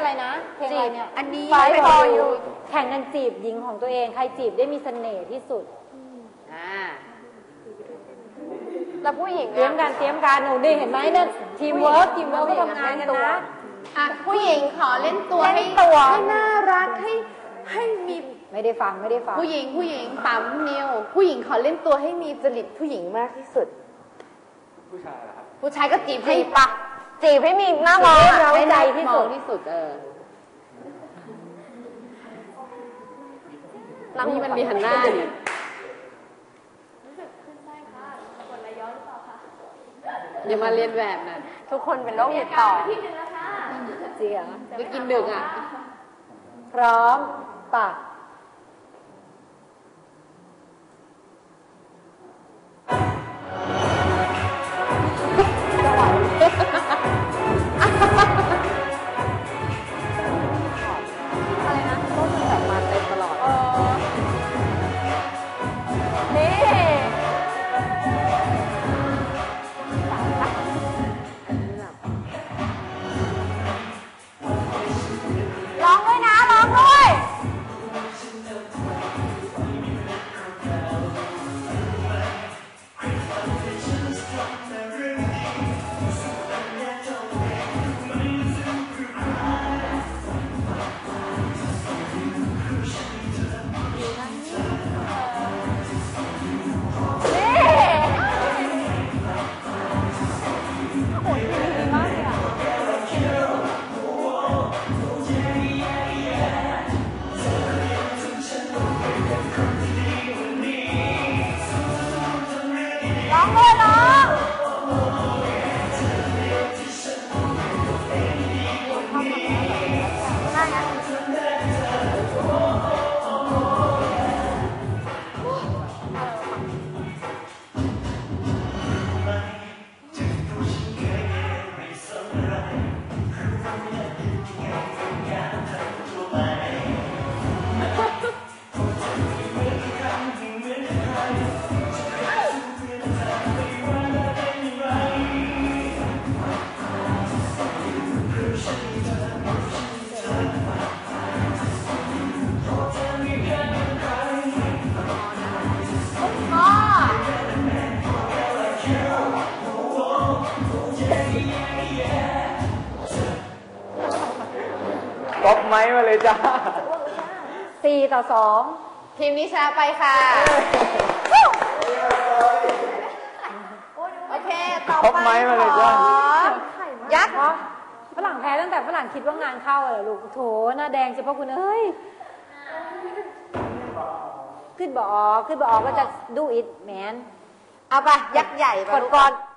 อะไรนะเพลงอะไรเนี่ยอันนี้ Fight for you แข่งกันจีบหญิงของตัวเองใครจีบได้มีเสน่ห์ที่สุดแล้วผู้หญิงเตรียมการหนูดิเห็นไหมเนี่ยทีมเวิร์กก็ทำงานกันนะผู้หญิงขอเล่นตัวให้น่ารักให้มีไม่ได้ฟังผู้หญิงปั๊มนิวผู้หญิงขอเล่นตัวให้มีจริตผู้หญิงมากที่สุดผู้ชายล่ะครับผู้ชายก็จีบให้ปะจีบให้มีหน้ามองเราใจที่สุดนี่มันมีหันหน้าดิอย่ามาเรียนแบบนะทุกคนเป็นโรคติดต่อจริงเหรอไปกินดึกอ่ะพร้อมป่ะก๊อปไม้มาเลยจ้า 4-2 ทีมนี้ชนะไปค่ะโอเคต่อไปยักษ์ฝรั่งแพ้ตั้งแต่ฝรั่งคิดว่างานเข้าเหรอลูกโถหน้าแดงเฉพาะคุณเอ้ยขึ้นบอกก็จะดูอิดแมนเอาไปยักษ์ใหญ่ก่อน